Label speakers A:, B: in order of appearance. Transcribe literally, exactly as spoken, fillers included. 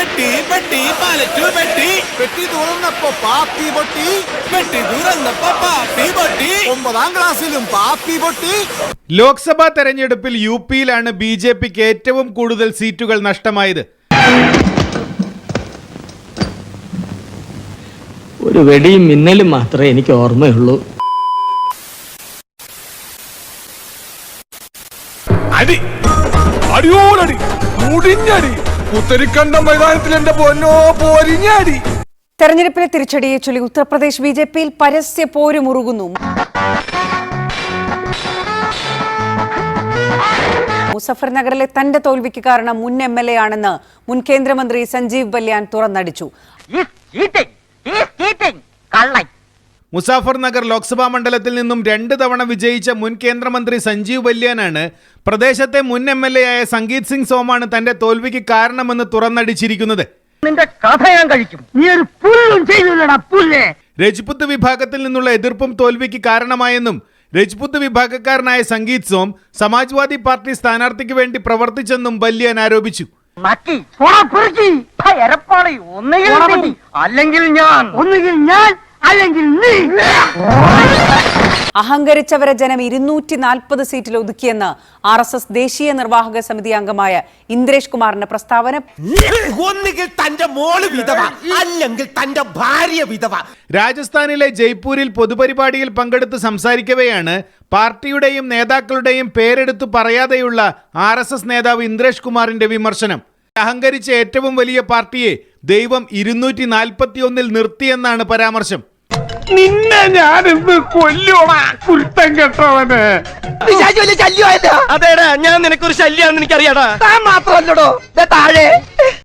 A: പെട്ടി പെട്ടി പാലറ്റു പെട്ടി പെട്ടി തുറന്നപ്പോ പാപ്പി പൊട്ടി പെട്ടി തുറന്നപ്പോ പാപ്പി പൊട്ടി ഒമ്പതാം ക്ലാസ്സിലും പാപ്പി പൊട്ടി.
B: ലോക്സഭാ തെരഞ്ഞെടുപ്പിൽ യു പിയിലാണ് ബി ജെ പിക്ക് ഏറ്റവും കൂടുതൽ സീറ്റുകൾ നഷ്ടമായത്.
C: ഒരു വെടിയും മിന്നലും മാത്രമേ എനിക്ക് ഓർമ്മയുള്ളൂ.
D: അടി അടിയോടടി മുടിഞ്ഞടി ഉത്തരിക്കണ്ട മൈതാനത്തിൽ എന്റെ പൊന്നോ പോരിഞ്ഞടി.
E: തെരഞ്ഞെടുപ്പിലെ തിരിച്ചടിയെ ചൊല്ലി ഉത്തർപ്രദേശ് ബി ജെ പിയിൽ പരസ്യ പോരുമുറുകുന്നു. മുസഫർ നഗറിലെ തന്റെ തോൽവിക്ക് കാരണം മുൻ എം എൽ എ ആണെന്ന് മുൻ കേന്ദ്രമന്ത്രി സഞ്ജീവ് ബല്യാൻ തുറന്നടിച്ചു.
B: മുസാഫർ നഗർ ലോക്സഭാ മണ്ഡലത്തിൽ നിന്നും രണ്ട് തവണ വിജയിച്ച മുൻ കേന്ദ്രമന്ത്രി സഞ്ജീവ് ബല്യാനാണ് പ്രദേശത്തെ മുൻ എം എൽ എ ആയ സംഗീത് സിംഗ് സോമാണ് തന്റെ തോൽവിക്ക് കാരണമെന്ന് തുറന്നടിച്ചിരിക്കുന്നത്. രജ്പുത്ത് വിഭാഗത്തിൽ നിന്നുള്ള എതിർപ്പും തോൽവിക്ക് കാരണമായെന്നും രജ്പുത്ത് വിഭാഗക്കാരനായ സംഗീത് സോം സമാജ്വാദി പാർട്ടി സ്ഥാനാർത്ഥിക്ക് വേണ്ടി പ്രവർത്തിച്ചെന്നും ബല്യാൻ ആരോപിച്ചു.
C: അല്ലെങ്കിൽ ഞാൻ ഒന്നുകിൽ ഞാൻ അല്ലെങ്കിൽ നീ.
E: അഹങ്കരിച്ചവരെ ജനം ഇരുന്നൂറ്റി നാൽപ്പത് സീറ്റിൽ ഒതുക്കിയെന്ന് ആർ എസ് എസ് ദേശീയ നിർവാഹക സമിതി അംഗമായ ഇന്ദ്രേഷ് കുമാറിന്റെ പ്രസ്താവന.
A: ഒന്നുകിൽ തന്റെ മോള് വിധവ അല്ലെങ്കിൽ തന്റെ ഭാര്യ വിധവ.
B: രാജസ്ഥാനിലെ ജയ്പൂരിൽ പൊതുപരിപാടിയിൽ പങ്കെടുത്ത് സംസാരിക്കവെയാണ് പാർട്ടിയുടെയും നേതാക്കളുടെയും പേരെടുത്തു പറയാതെയുള്ള ആർ എസ് എസ് നേതാവ് ഇന്ദ്രേഷ് കുമാറിന്റെ വിമർശനം. അഹങ്കരിച്ച ഏറ്റവും വലിയ പാർട്ടിയെ ദൈവം ഇരുന്നൂറ്റി നാൽപ്പത്തി ഒന്നിൽ നിർത്തിയെന്നാണ് പരാമർശം.
D: നിന്നെ ഞാനിന്ന് കൊല്ലോടാ കുരുത്തം കെട്ടവന്.
C: അതേടാ, ഞാൻ നിനക്കൊരു ശല്യാന്ന് എനിക്കറിയാടാ. താൻ മാത്രമല്ലടോ താഴെ